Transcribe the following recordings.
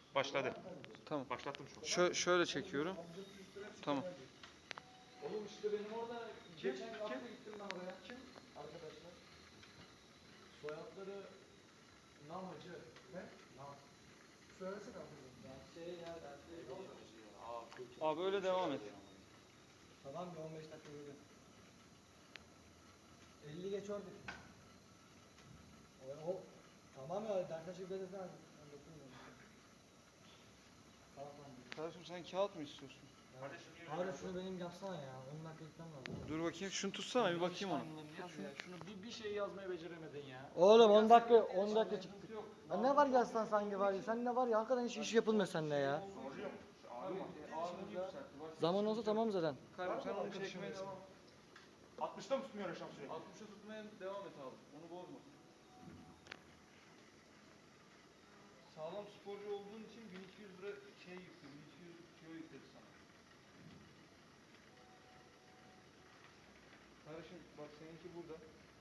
Başladı. Tamam. Başlattım şu an. Şöyle çekiyorum. Tamam. Oğlum işte benim orada geçen hafta gittim ben oraya. Kim? Arkadaşlar. Soyadları Namacı. Ne? Nam. Söylesene abi. Abi öyle devam et. Tamam bir 15 dakika yürü. 50 geç oradaki. O tamam ya dertaşı belirten tamam. Kardeşim sen kağıt mı istiyorsun? Abi şunu benim yapsana ya. 10 dakika gitmem lazım. Dur bakayım şunu tutsana bir bakayım ona. Şunu bir şey yazmayı beceremedin ya. Oğlum 10 dakika çıktı. Ya ne var yazsan sanki var ya. Sen ne var ya hakikaten hiç iş yapılmıyor seninle ya. Zaman olsa tamam zaten. Kardeşim sen onu çekmeye devam. 60'ta mı tutmuyor Reşam sürekli? 60'a tutmaya devam et abi. Onu bozma. Sağlam sporcu olduğun için 1200 lira şey yüklü, 1200 kilo yükledi sana. Kardeşim bak seninki burada.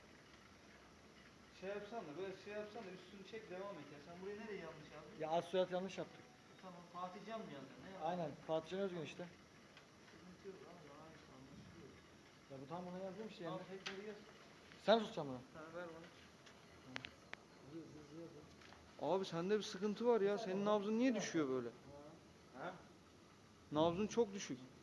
Şey yapsan da böyle şey yapsan da üstünü çek devam et ya. Sen burayı nereye yanlış yazdın? Ya az soyad yanlış yaptık. Tamam Fatih Can mı yazdın? Ne yazdın? Aynen. Fatih Can Özgün işte. Sıkıntı yok abi aynı anlaşılıyor. Ya bu tam buna yazdığım şey Al yani. tekrar yaz. Sen tutacaksın bunu. Ha ver bana. Abi sende bir sıkıntı var ya. Senin nabzın niye düşüyor böyle? Ha? Nabzın çok düşük.